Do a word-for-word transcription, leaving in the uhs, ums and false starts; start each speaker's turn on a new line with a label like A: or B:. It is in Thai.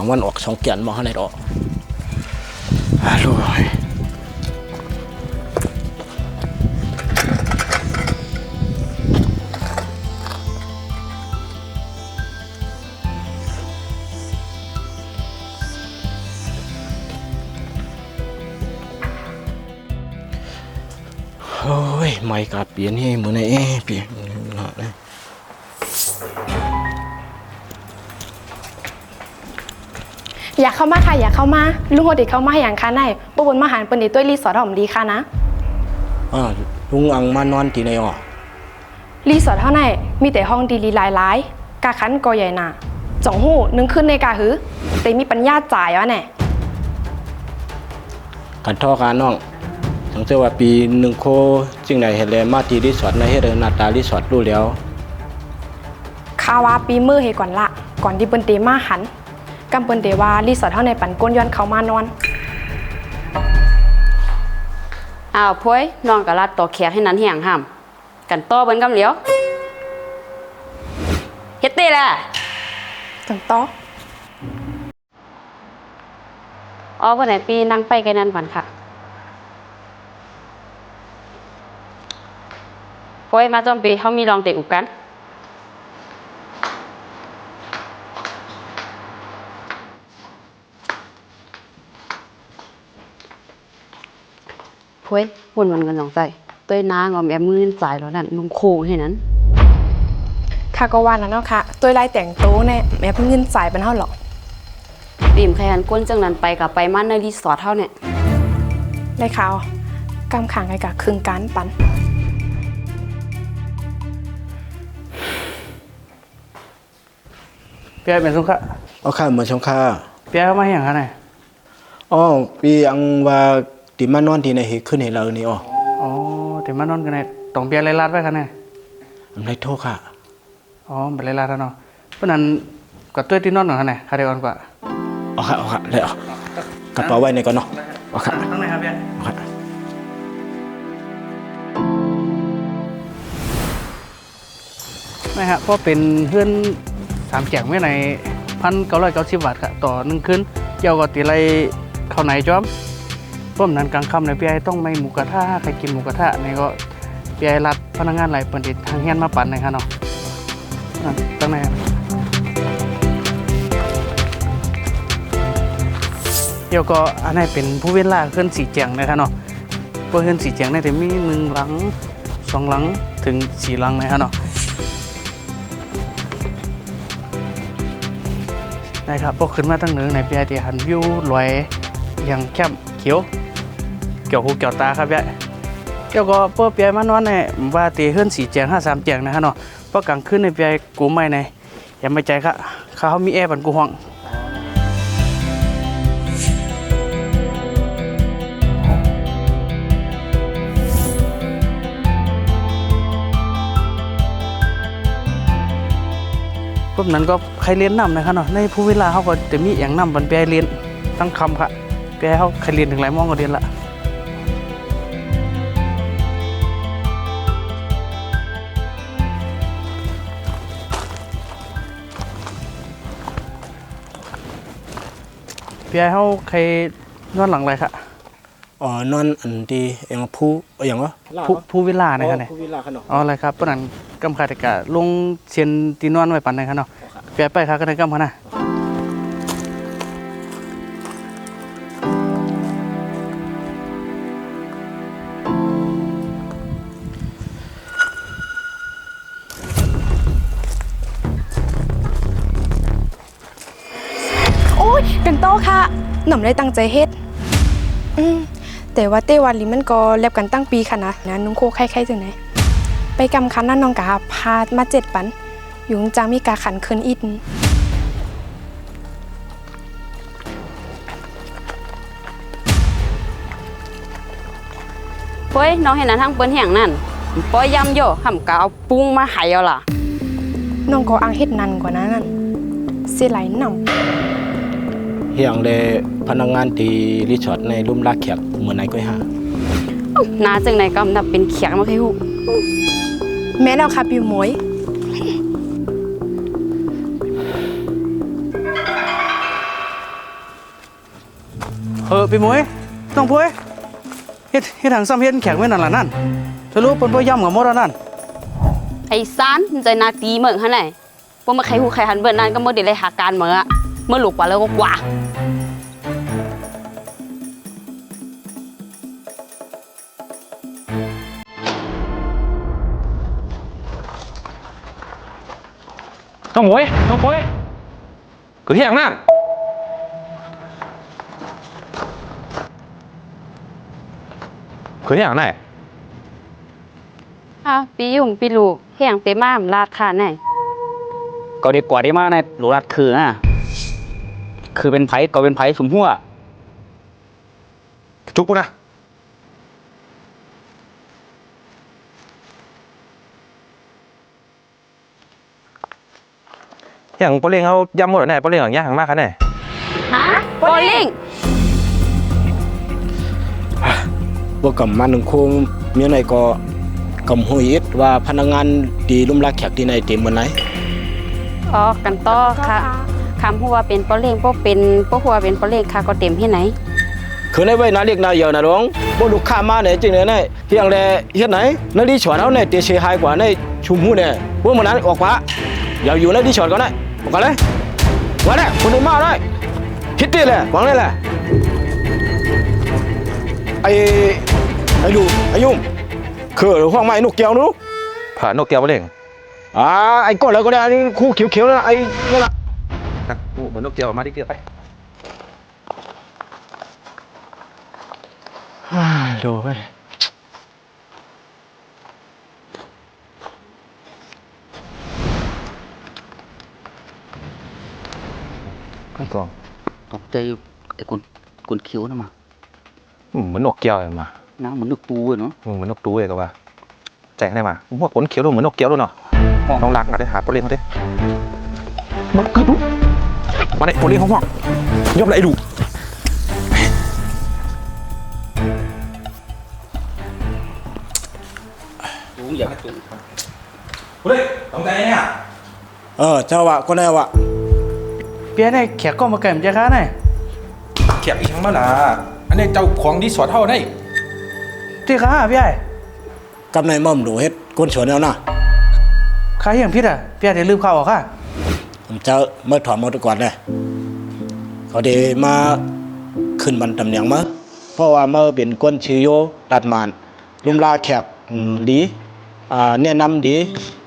A: างวันออกสองเกียนมาให้ได้ดอกฮัลโหลโอ้ยไม่กลับเปลี่ยนให้เหมือนไอ้เปลี่ยนหนาเลย
B: อยากเข้ามาค่ะอยากเข้ามาลุงโหดิเข้ามาอย่างค่ะนายปบนมาหารเปินดีตัวรีสอร์ทหอมดีค่ะนะ
A: อ่าลุงอังมานอนที่ไหนอ่ะ
B: รีสอร์ทเท่าไหร่มีแต่ห้องดีลีหลายหลายกาคันกอใหญ่น่ะจ่องหูนึงขึ้นในกาหือแต่มีปัญญาจ่ายวะแน่
A: กันท่อการน้องสังเกตว่าปีหนึ่งโคจึงไหนเห็นเลยมาที่รีสอร์ทในเฮเดอร์นาตารีสอร์ทรู้แล้ว
B: ข้าว่าปีมือเฮก่อนละก่อนที่เปิ้นเตมาหันกำเปิ้นเตว่ารีสอร์ทเท่าในปันก้นย้อนเขามานอน
C: อ้าวพ้ยนอนกับรัดต่อแขกให้นั้นเหี่ยงห้ามกันต่อเบิ้นกำเหลียวเฮ็ดเต้แหละ
B: จังต่อ
C: อ๋อวันไหนปีนั่งไปกันนั่นฝันค่ะพ้ยมาจอมปีเขามีลองเตะอุกกันพ้ยวนวันกันสองใจต้วยนางอมแอมมือจ่ายแล้วนั่นนุ่งโค้งให้นั้น
B: ข้าก็ว่าแล้วเนาะค่ะตัวไล่แต่งโต๊ะเนี่ยแม่เพิ่งเงินจ่ายเป็นเท่าหรอก
C: ปีมแค่หันก้นจังนั้นไปกับไปมั่นในรีสอร์ทเท่าเนี่ย
B: ได้ข่าวกำขังไอ้กะครึ่งการปัน
D: เปียเป็นสงฆ์
A: เอาข้าเหมือนชงข้า
D: เปียมาอย่างไร
A: อ๋อปีอังว่าติมานอนที่ไหนเหขึ้นเห็นเรานี่อ๋อ
D: อ๋อติมานอนกันไหนต้องเปียเลยลาดไว้กันไหน
A: อันไรโทษค่ะ
D: อ๋อเป็นเลยลาดแล้วเนาะเพราะนั้นกับตัวที่นอนหน่อยกันไหนคาเดียวกันกว่า
A: เอาค่ะเอาค่ะเลยเอากระเป๋าไว้ในก่อนเนาะเอาค่ะ
D: ตั้งไหนครับเปีย
A: เอาค่ะ
D: ไม่ฮะเพราะเป็นเพื่อนสามแจกไม่ในพันเก้าร้อยเก้าสิบบาทค่ะต่อหนึ่งคืนเกี่ยวกับตีไรเข้าไหนจอมร่วมนั้นกลางค่ำในพี่ไอต้องไม่หมูกระทะใครกินหมูกระทะนี่ก็พี่ไอรัดพนักงานหลายปันติดทางเฮียนมาปั่นนะครับเนาะตั้งไหนเดี๋ยวก็อันนี้เป็นผู้เว้นล่าเคลื่อนสีแจงนะครับเนาะเพื่อเคลื่อนสีแจงในแต่มีหนึ่งหลังสองหลังถึงสี่หลังนะครับเนาะนะครับพอขึ้นมาตั้งหนึ่งในพี่ไอที่หันวิวลอยอย่างแคบเขียวเกี่ยวหูเกี่ยวตาครับพี่เกี่ยวก็เพื่อพี่ไอมานอนในว่าตีเคลื่อนสีแจงห้าสามแจงนะครับเนาะเพราะกลางคืนในพี่ไอกูไม่ในอย่าไม่ใจค่ะเขามีแอร์บันกูห้องพวกนั้นก็ใครเรียนนำนะครับเนาะในผู้เวลาเขาก็จะมีอย่างนำบันเปียเรียนทั้งคำค่ะเปียเขาใครเรียนถึงหลายมองก็เรียนละเปียเขาใครนอนหลังอะไรค่ะ
A: อ๋อนอนอันดีอย่างผู้อย่างวะ
D: ผู้ผู้เวลานะครับเนี่ยอ๋ออะไรครับเพราะนั้นกำคาติกาลงเชียนตีนอนไว้ปันนะครับเนาะเปียไปครับก็ได้กำขนาด
B: โอ้ยกันโตค่ะหน่อมได้ตั้งใจเฮ็ดอืมแต่ว่าเต้วันลิมันก็แลบกันตั้งปีค่ะนะนะนุ่งโคไข่ๆจังไหนไปกำคันนั่นน้องกาพามาเจ็ดปันอยู่จังมีกาขันคืนอิด
C: เฮ้ยน้องเห็นนั้นทั้งเปิ้นเหี่ยงนั่นป้อยยำโย่ห่ำกะเอาปุ้งมาหายเอาล่ะ
B: น้องก็อังเฮ็ดนันกว่านั้นเสียไหลหน่ำ
A: เฮียงเลยพนักงานที่รีสอร์ทในรุ่มลากแขกเหมือนไหนก็ห้า
C: นาจังไหนก็นับเป็นแขกมาให้หู
B: แม่เราค่ะปิวมวย
D: ออปีหมวยน้องพวยเฮ็ดเฮ็ดทางซ้ำเฮ็ดแข็งไว้นั่นล่ะนั่นสรุปเปิ้นบ่ย่ำกับหมดแล้วนั่น
C: ไอ้ซานใจนาตีเหมือนหั่นไหนว่ามาใครหูใครหันเบิ่นนั่นก็บ่ได้เลยหาการเหมือนอะเมื่อหลุกกว่าแล้วก็กว่า
E: น้องหมวยน้องหมวยเกิดที่อย่างนั้นเกิดที่อย่างไหน
C: อ้าวปียุ่งปีลูกแห้งเต็มมากลาดขาไหน
F: ก็ดีกว่าที่มาในหลูรัดคืออ่ะคือเป็นไผ่ก็เป็นไผ่สมหัว
E: จุกปุ๊นะอย่างปอเล้งเขาย้ำหมดแล้วแน่ปอเล้งอย่างยากมากครับแน่
C: ฮะโบลิ่ง
A: พวกกำมันหนึ่งคงเมียไหนก็กำหุยอิดว่าพนักงานดีลุ่มรักแขกที่ไหนเต็มวันไหน
C: อ๋อกันต่อค่ะคำหัวเป็นโบลิ่งโบเป็นโบหัวเป็นโบลิ่งค่ะก็เต็มที่ไหน
A: คือในไว้นาเรียกนาเยอะนะร้องบ่ลูกค้ามาเนี่ยจริงเลยเนี่ยเฮียงแลเฮ็ดไหนนาดีฉวนเอาเนี่ยเตะเชยหายกว่าในชุมหูเนี่ยพวกมันนั้นออกปะอย่าอยู่ในดีฉวนก่อนนะออกกันเลยว่าเนี่ยคนอื่นมาได้คิดดีเลยหวังเลยแหละไอ้ไอ้ดูไอ้ยุ่งคือห้องไม้นกเกียวนู้
E: ผ่านนกแก้วปอเล้ง
A: อ่าไอ้ก้อนแล้วก็ได้อันนี้คู่เขียวๆนะไอ้นั่นน่ะ
E: นะโอ้เหมือนนกแก้วมาดิเดียวไป
A: ดูไป
E: ข้างกอง
F: ตกใจไอ้กุนกุนคิ้วนะมา
E: อืมเหมือนนกแก้วเลยมา
F: น้ำเหมือนนึกปูเลยเนาะ
E: อืมเหมือนนกตู้เลยก็ว่าแจงได้มาพวกขนเขียวดูเหมือนนกแก้วด้วยเนาะน้องรักนะได้หาปอเล้งเขาดิมันคือดูมาได้ปอเล้งเขาห้องยอมได้ดู
F: ลุงอยากให้ตุง
E: เฮ้ยต้องใจเนี่ย
A: เออเจ้าวะก็ได้วะ
D: เปียเนี่ยแขกก็มาแก่มใจค้าเนี่ย
E: แขกอีกครั้งมาล่ะอันนี้เจ้าของดีสอดเท่าได้
D: ที่ค้าพี่ไอ้
A: กับนายม่อมดูเฮ็ดก้นสวนแล้วนะ
D: ค้าเฮียงพิษอ่ะพี่ไอ้ได้ลืมข้าวออกค่ะ
A: ผมจะเมื่อถอดมอตก่อนเลยเขาเดมาขึ้นบันตำแหน่งมาเพราะว่าเมื่อเป็นก้นชื่อโยตัดมานลุมลาแขกอืมดีอ่าแนะนำดี